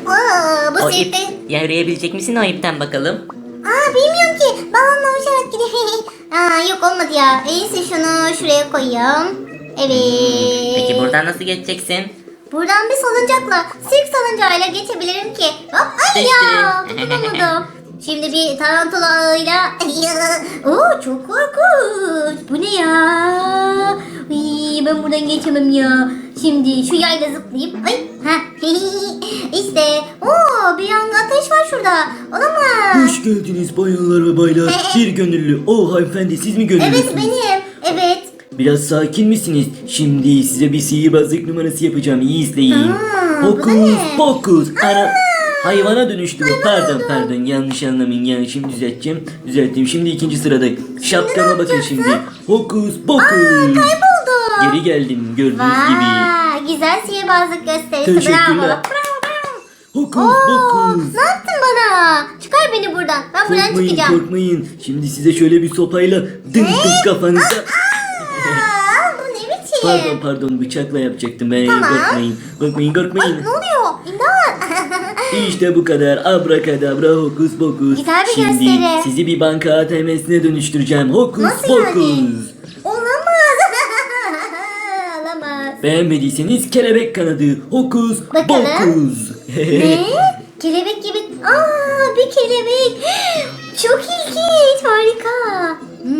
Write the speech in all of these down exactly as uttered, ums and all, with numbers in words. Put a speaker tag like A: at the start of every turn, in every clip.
A: Aa, bu
B: O ip
A: sirkte...
B: yürüyebilecek misin o ipten bakalım?
A: Aa, bilmiyorum ki. Balonla uçarak gidiyor. Aa, yok olmadı ya. En iyisi şunu şuraya koyayım. Evet.
B: Peki buradan nasıl geçeceksin?
A: Buradan bir salıncakla, sirk salıncağıyla geçebilirim ki. Hop, ay ya,
B: Düştüm.
A: tutunamadım. Şimdi bir tarantulayla... Oo, çok korkunç. Bu ne ya? Uy, ben buradan geçemem ya. Şimdi şu yayla zıplayıp... Ay, ha. İşte. Oo, bir yanda ateş var şurada. Olamaz.
C: Hoş geldiniz bayanlar ve baylar. Bir gönüllü. O hanımefendi siz mi gönüllüsünüz?
A: Evet benim. Evet.
C: Biraz sakin misiniz? Şimdi size bir sihirbazlık numarası yapacağım. İyi izleyin.
A: Aa, bu da
C: Hokus
A: ne?
C: pokus. Ana... Hayvana dönüştü bu. Pardon pardon yanlış anlamayın. Yani şimdi düzelteceğim. Düzelttim. Şimdi ikinci sırada. Şapkama bakın
A: yapacaksın?
C: şimdi. Hokus pokus.
A: Kayboldu.
C: Geri geldim gördüğünüz gibi.
A: Vay, güzel sihirbazlık gösterisi.
C: Teşekkürler.
A: Bravo. Bravo, bravo.
C: Hokus
A: Oo,
C: pokus.
A: ne yaptın bana? Çıkar beni buradan. Ben buradan
C: Korkmayın
A: çıkacağım.
C: korkmayın. Şimdi size şöyle bir sopayla dın dın kafanıza.
A: Aa, bu ne biçim?
C: Pardon pardon bıçakla yapacaktım ben.
A: Tamam.
C: Korkmayın. Korkmayın korkmayın.
A: Ne oluyor? İmdat.
C: İşte bu kadar. Abrakadabra hokus pokus.
A: Güzel bir
C: Şimdi
A: gösteri.
C: sizi bir banka A T M'sine dönüştüreceğim. Hokus
A: Nasıl
C: pokus.
A: yani? Olamaz. Olamaz.
C: Beğenmediyseniz kelebek kanadı. Hokus
A: Bakalım.
C: pokus.
A: Ne? Kelebek gibi. Aa, bir kelebek. Çok ilginç. Harika.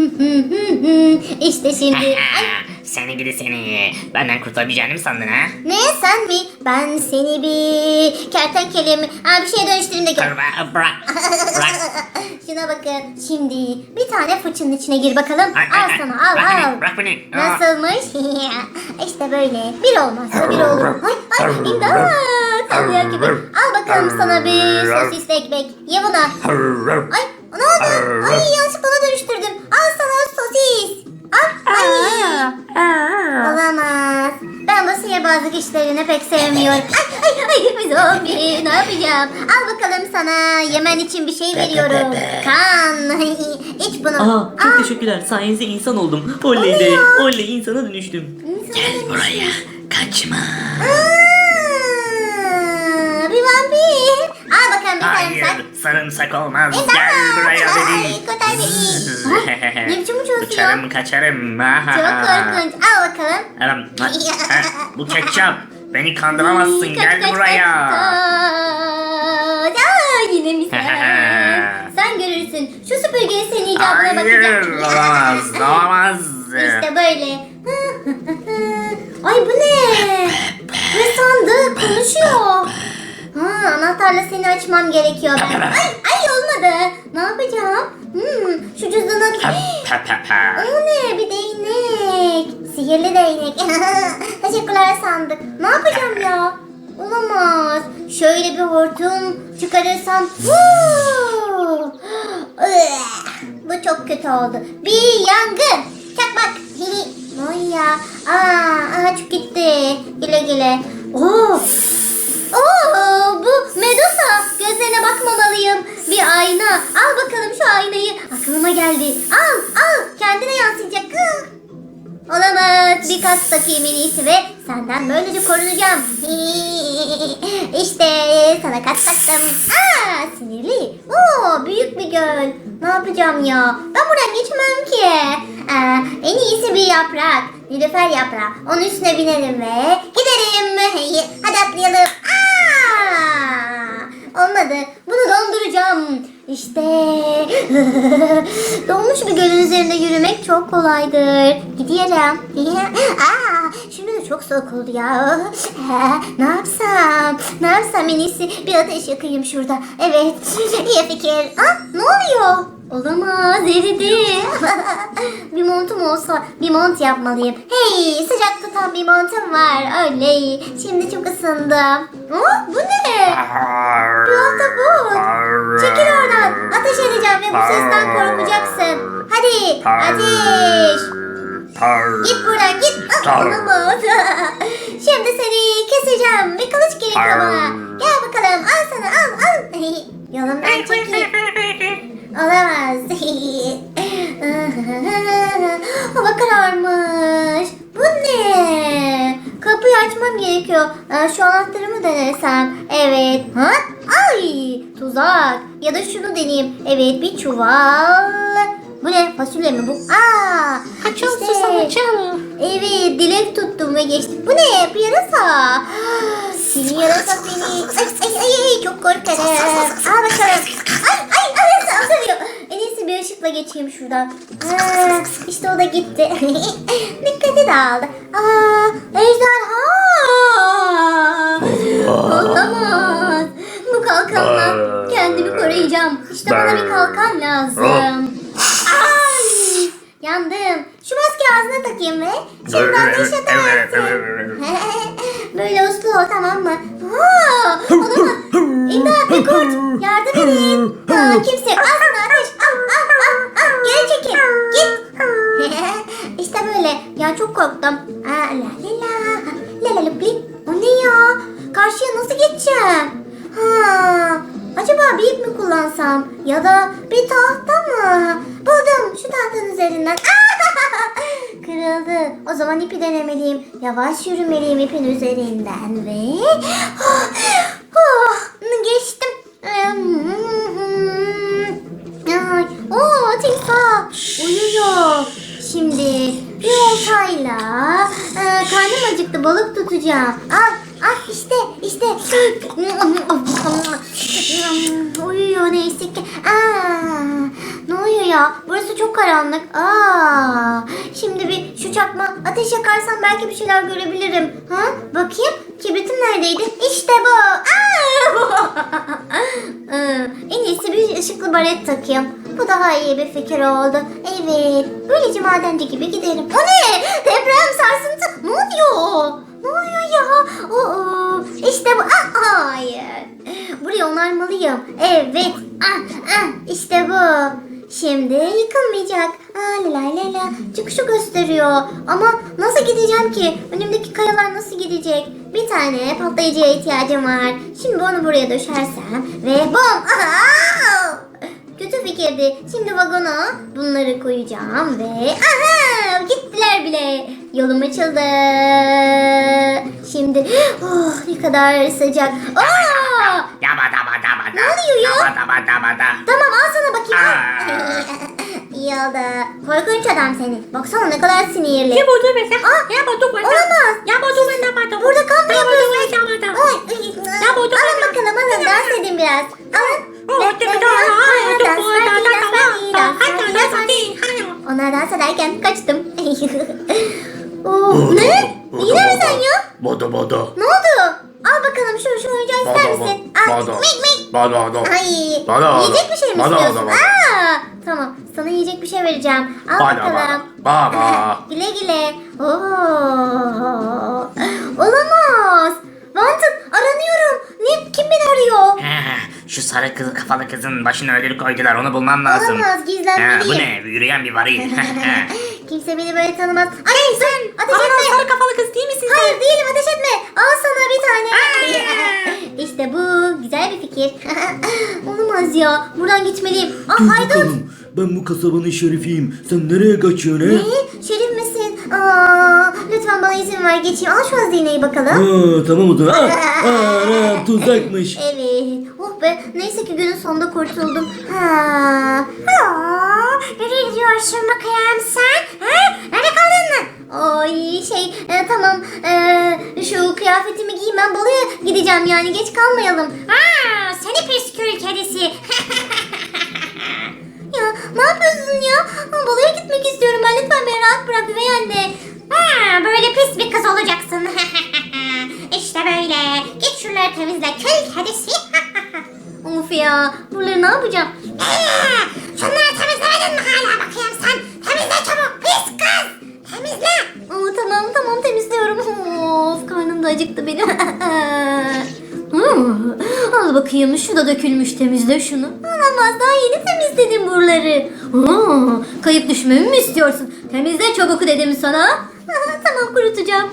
A: İşte şimdi. Ay,
B: Seni gidi seni. Benden kurtulabileceğini mi sandın ha?
A: ne sen mi? Ben seni bir kertenkele mi? Aa, bir şeye dönüştüreyim de gel.
B: Bırak. Bırak. Bırak.
A: Şuna bakın. Şimdi bir tane fıçının içine gir bakalım.
B: Ay, ay,
A: Al
B: ay.
A: sana al
B: Bırak
A: al.
B: beni, bırak beni.
A: Nasılmış? İşte böyle. Bir olmazsa bir olur. Ay ay imdat. Sallıyor gibi. Al bakalım sana bir sosisli ekmek. Ye bunu. Ay ne oldu? Ay yanlışlıkla ona dönüştürdüm. Al sana sosis. Al. Ay. Olamaz. Ben bu sihirbazlık işlerini pek sevmiyorum. Ay ay ay bir zombi. Ne yapacağım? Al bakalım sana yemen için bir şey veriyorum. Kan. İç bunu.
C: Aha çok
A: Al.
C: teşekkürler. Sayenizde insan oldum. Oley de. Oley insana dönüştüm.
B: Gel buraya. Kaçma.
A: Aa, bir vampir. Al bakalım bir
B: Hayır.
A: sarımsak.
B: Sarımsak olmaz.
A: İmdat.
B: Gel buraya
A: Ay,
B: dedim.
A: kurtar beni. Ha, ne biçim uçuyorsun ya?
B: Uçarım kaçarım.
A: Çok korkunç. Al bakalım.
B: Anam, ha, ha, bu ketçap. Beni kandıramazsın.
A: Kaç,
B: Gel
A: kaç,
B: buraya.
A: kaç. Aa, yine mi sen? Sen görürsün. Şu süpürgeyi senin icabına
B: Hayır.
A: bakacak.
B: Olamaz. Olamaz.
A: İşte böyle. Ay bu ne? Ne sandık? Konuşuyor. Ha, anahtarla seni açmam gerekiyor ben. Ay, ay olmadı. Ne yapacağım? Hmm, şu cüzdanı...
B: Pa, pa, pa, pa.
A: O ne? Bir değnek. Sihirli değnek. Teşekkürler sandık. Ne yapacağım ya? Olamaz. Şöyle bir hortum çıkarırsam. Huu! Üah! Bu çok kötü oldu. Bir yangın. Çakmak. Ay ya. Aa, ağaç gitti. Güle güle. Oo. Oo, bu Medusa. Gözlerine bakmamalıyım. Bir ayna. Al bakalım şu aynayı. Aklıma geldi. Al, al. Kendine yansıyacak. Hı. Olamaz. Bir kas takayım en iyisi ve senden böylece korunacağım. İşte sana kas taktım. Aa, sinirli. Oo, büyük bir göl. Ne yapacağım ya? Ben buradan geçmem ki. Aa, en iyisi bir yaprak. Nilüfer yaprağı. Onun üstüne binelim ve gidelim. Hadi atlayalım. Aa, olmadı. Bunu donduracağım. İşte donmuş bir gölün üzerinde yürümek çok kolaydır. Gidiyorum. Aa, şimdi de çok soğuk oldu ya. Aa, ne yapsam? Ne yapsam en iyisi bir ateş yakayım şurada. Evet. İyi fikir. Aa, ne oluyor? Olamaz, eridi. Bir montum olsa bir mont yapmalıyım. Hey, sıcak tutan bir montum var. Oley. Şimdi çok ısındım. Aa, bu ne? Bir ahtapot. Çekil oradan. Ateş edeceğim ve bu sesten korkacaksın. Hadi ateş. Git buradan git. Ah, olamaz. Şimdi seni keseceğim. Bir kılıç gerekiyor bana. Gel bakalım. Al sana al al. Yolumdan çekil. Olamaz. Hava kararmış. Bu ne? Kapıyı açmam gerekiyor. Ee, şu anahtarı mı denesem? Evet. Ha? Ay, tuzak. Ya da şunu deneyeyim. Evet, bir çuval. Bu ne? Fasulye mi bu? Aa!
D: Açıl
A: işte.
D: susam açıl.
A: Evet, dilek tuttum ve geçtim. Bu ne? Bir yarasa. Seni yarasa seni. Ay ay ay, ay çok korkarım. Al bakalım. Ay ay ay saldırıyor. En iyisi bir ışıkla geçeyim şuradan. Aa, işte o da gitti. Dikkati dağıldı. Aa, ejderha. Olamaz. Bu kalkanla kendimi koruyacağım. İşte bana bir kalkan lazım. Ay, yandım. Şu maske ağzına takayım ve şimdiden ateş edersin. Böyle uslu ol, tamam mı? Aa, olamaz. İmdat, bir kurt. Yardım edin. Aa, kimse yok. Ağzına ateş. Al al al al. Geri çekil. Git. İşte böyle. Ya çok korktum. Aa, la la la. La la la bli. O ne ya? Karşıya nasıl geçeceğim? Ha, acaba bir ip mi kullansam? Ya da bir tahta mı? Buldum, şu tahtanın üzerinden. Kırıldı. O zaman ipi denemeliyim. Yavaş yürümeliyim ipin üzerinden ve... Oh, oh, geçtim. Ay, oo, timsah uyuyor. Şimdi bir oltayla e, karnım acıktı, balık tutacağım. Al, al işte, işte. Uyuyor neyse ki. Aa, ne oluyor ya? Burası çok karanlık. Aa, şimdi bir şu çakma ateş yakarsam belki bir şeyler görebilirim. Ha? Bakayım. Kibritim neredeydi? İşte bu. Aa! En iyisi bir ışıklı baret takayım. Bu daha iyi bir fikir oldu. Evet. Böylece madenci gibi giderim. O ne? Deprem, sarsıntı. Ne oluyor? Ne oluyor ya? Oo, işte bu. Ah, hayır. Burayı onarmalıyım. Evet. Ah, ah, işte bu. Şimdi yıkılmayacak. Aa, la la la la. Çıkışı gösteriyor. Ama nasıl gideceğim ki? Önümdeki kayalar nasıl gidecek? Bir tane patlayıcıya ihtiyacım var. Şimdi onu buraya döşersem ve bom! Aha! Kötü fikirdi. Şimdi vagona bunları koyacağım ve aha! Gittiler bile. Yolum açıldı. Şimdi oh, ne kadar sıcak. Aa!
B: Yaba daba daba da.
A: Ne oluyor ya?
B: Yaba daba daba da.
A: Tamam, al sana bakayım.
B: Aa.
A: İyi oldu. Korkunç adam seni. Baksana ne kadar sinirli.
D: Ya bodu mesela.
A: Aa,
D: Ya bodu bana.
A: olamaz.
D: Ya bodu bana bana.
A: Burada kamp
D: Ya bodu
A: yapıyorsun.
D: bana bana.
A: Ay,
D: Ya bu da
A: alın
D: bana.
A: bakalım, alın, dans edin biraz. Alın.
D: Oh,
A: Dans,
D: tabii
A: dans,
D: daha.
A: dans,
D: Dans,
A: dans,
D: dans,
A: dans,
D: dans,
A: dans,
D: dans,
A: dans,
D: dans,
A: dans,
D: dans,
A: dans. Onlar dans ederken kaçtım. Oh, ne? Yine mi sen ya?
B: Bodo bodo.
A: Ne oldu? Al bakalım şu şu oyuncağı ister misin? Al.
B: Bodo.
A: Mik mik.
B: Bodo bodo.
A: Ay,
B: Bana,
A: yiyecek bir şey mi
B: bana,
A: istiyorsun?
B: bana.
A: Aa, tamam, sana yiyecek bir şey vereceğim. Al
B: Bana,
A: bakalım.
B: bana, bana.
A: Güle güle. Oo. Olamaz. Wanted, aranıyorum. Ne? Kim beni arıyor?
B: Şu sarı kız, kafalı kızın başına ölülü koydular. Onu bulmam lazım.
A: Olamaz, gizlenmeliyim.
B: Ha, bu ne? Yürüyen bir varil.
A: Kimse beni böyle tanımaz. Ay sen ateş
D: Aa,
A: etme.
D: sarı kafalı kız değil misin sen?
A: Hayır değilim, ateş etme. Al sana bir tane. İşte bu güzel bir fikir. Olamaz ya. Buradan gitmeliyim. Ah
C: Dur
A: haydut.
C: bakalım. Ben bu kasabanın şerifiyim. Sen nereye kaçıyorsun he?
A: Ne? Şerif misin? Aa, lütfen bana izin ver geçeyim. Al şu hazineyi bakalım.
C: Ha, tamam o zaman. Aa, aa, tuzakmış.
A: Evet. Oh be. Neyse ki günün sonunda kurtuldum. Ha. Aa, nereye gidiyorsun bakayım sen? Ha? Nerede kaldın mı? Ay şey e, tamam e, şu kıyafetimi giyeyim, ben balığa gideceğim yani, geç kalmayalım. Aa, seni pis köy kedisi. Ya ne yapıyorsun ya? Aa, balığa gitmek istiyorum ben, lütfen beni rahat bırak üvey anne. Ha, böyle pis bir kız olacaksın. İşte böyle. Git şuraları temizle köy kedisi. Of ya, buraları ne yapacağım? Ee, şunları temizlemedin mi hala bakayım sen? Temizle çabuk pis kız. Temizle. Aa, tamam tamam temizliyorum. Of, karnım da acıktı benim. Hmm, al bakayım, şu da dökülmüş, temizle şunu. Olamaz, daha yeni temizledim buraları. Aa, kayıp düşmemi mi istiyorsun? Temizle çabuk dedim sana. Tamam, kurutacağım.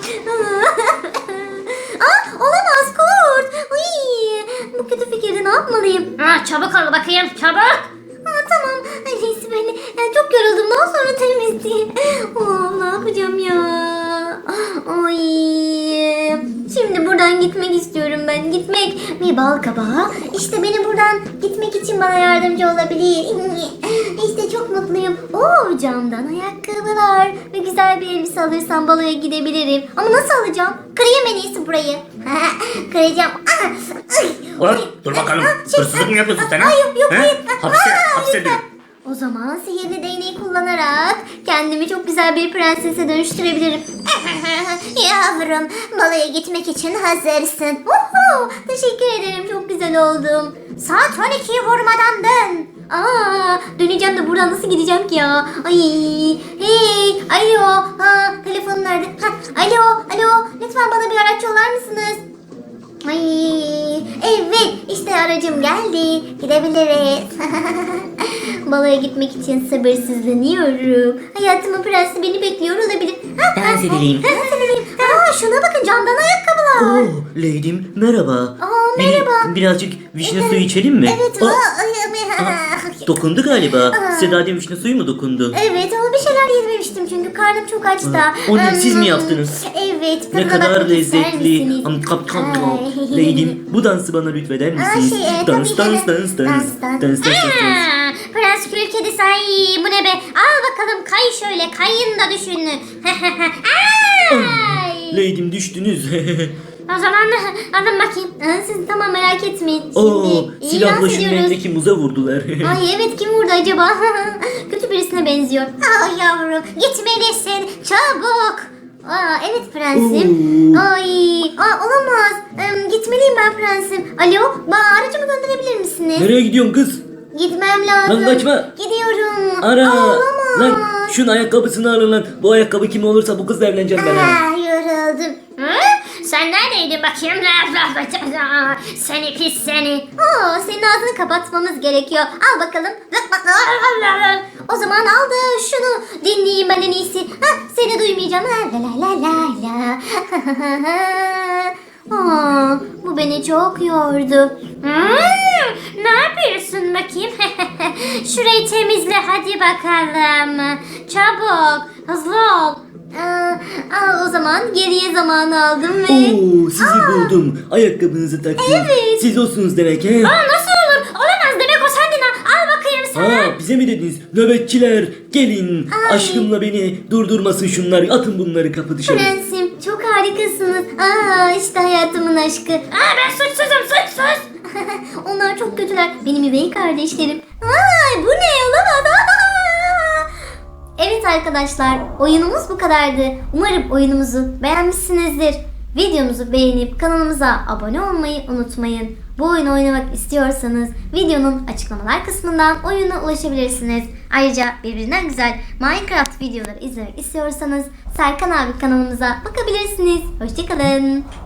A: Aa, olamaz, kurt. Uy, bu kötü fikirde ne yapmalıyım?
D: Aa, çabuk ol bakayım çabuk.
A: Aa, tamam. Neyse ben yani çok yoruldum. Daha sonra temizleyeyim. Oh, ne yapacağım ya? Ay. Şimdi buradan gitmek istiyorum ben. Gitmek. Bir bal kabağı. İşte beni buradan gitmek için bana yardımcı olabilir. İşte çok mutluyum. Oo, camdan ayakkabılar. Ve güzel bir elbise alırsam baloya gidebilirim. Ama nasıl alacağım? Kırayım en iyisi burayı. Kıracağım.
B: Ulan dur bakalım. Hırsızlık mı yapıyorsun sen ha?
A: Ay, yok, yok,
B: He?
A: hayır.
B: Hapse,
A: Aa,
B: hapse
A: lütfen.
B: ederim.
A: O zaman sihirli değneği kullanarak kendimi çok güzel bir prensese dönüştürebilirim. Yavrum, balaya gitmek için hazırsın. Uhu, teşekkür ederim, çok güzel oldum. Saat on ikiyi vurmadan dön. Aa, döneceğim de buradan nasıl gideceğim ki ya? Ay, hey, alo, ha, telefonun nerede? Ha, alo, alo, lütfen bana bir araç yollar mısınız? Ay, evet, işte aracım geldi. Gidebiliriz. Balaya gitmek için sabırsızlanıyorum. Hayatımın prensi beni bekliyor olabilir. Ha,
C: Dans
A: ha,
C: edelim.
A: Dans edelim. Aa, şuna bakın, camdan ayakkabılar.
C: Oo, Lady'm merhaba.
A: Aa,
C: Bir-
A: merhaba.
C: birazcık vişne suyu içelim mi?
A: Evet.
C: Aa,
A: aa, ay, ay,
C: aa, dokundu galiba.
A: Aa.
C: Seda'da vişne suyu mu dokundu?
A: Evet, ama bir şeyler yememiştim çünkü karnım çok aç da.
C: Aa, onu siz mi
A: Hmm,
C: yaptınız?
A: Evet.
C: Ne
A: tadına
C: kadar
A: bakmak ister
C: lezzetli.
A: misiniz?
C: Am, kap, kap, kap.
A: Ay.
C: Lady'm bu dansı bana lütfeder misiniz?
A: şey, e,
C: dans,
A: tabii
C: dans,
A: ki.
C: dans, dans,
A: Dans,
C: dans,
A: dans.
C: dans, dans, dans.
D: Aa, Prens Kül Kedisi, ay bu ne be? Al bakalım, kay şöyle, kayın da düşünün. Ay.
C: Lady'm düştünüz.
D: O zaman alın bakayım.
A: Aa, siz tamam, merak etmeyin. Şimdi
C: Oo,
A: iyi
C: silahla
A: dans
C: şimdi
A: ediyoruz.
C: elindeki muza vurdular.
A: Ay evet, kim vurdu acaba? Kötü birisine benziyor. Aa yavrum, gitmelisin çabuk. Aa evet prensim.
C: Oo.
A: Ay, aa olamaz. Em, gitmeliyim ben prensim. Alo, bana aracımı gönderebilir misiniz?
C: Nereye gidiyorsun kız?
A: Gitmem lazım.
C: Lan kaçma.
A: Gidiyorum.
C: Ara.
A: Aa, olamaz.
C: Lan şunun ayakkabısını alın lan. Bu ayakkabı kim olursa bu kızla evleneceğim ben ha.
A: Aa, yoruldum.
D: Hı? Sen neredeydin bakayım? Seni pis seni.
A: Oo, senin ağzını kapatmamız gerekiyor. Al bakalım. O zaman al da şunu dinleyeyim ben en iyisi. Hah, seni duymayacağım. La la la la la. Aa, bu beni çok yordu.
D: Hmm, ne yapıyorsun bakayım? Şurayı temizle hadi bakalım. Çabuk, hızlı ol.
A: Aa, al o zaman geriye zamanı aldım ve...
C: Oo, sizi buldum. Ayakkabınızı taktım.
A: Evet.
C: Siz olsunuz demek he.
D: Aa, nasıl olur? Olamaz, demek o sendin ha. Al bakayım sana.
C: Ha, bize mi dediniz? Nöbetçiler gelin.
A: Ay.
C: Aşkımla beni durdurmasın şunlar. Atın bunları kapı dışarı.
A: Prensim, çok harikasınız. Aa, işte hayatımın aşkı.
D: Aa, ben suçsuzum, suçsuz.
A: Onlar çok kötüler. Benim üvey kardeşlerim. Ay, bu ne, olamaz. Aa! Evet arkadaşlar, oyunumuz bu kadardı. Umarım oyunumuzu beğenmişsinizdir. Videomuzu beğenip kanalımıza abone olmayı unutmayın. Bu oyunu oynamak istiyorsanız videonun açıklamalar kısmından oyuna ulaşabilirsiniz. Ayrıca birbirinden güzel Minecraft videoları izlemek istiyorsanız Serkan abi kanalımıza bakabilirsiniz. Hoşçakalın.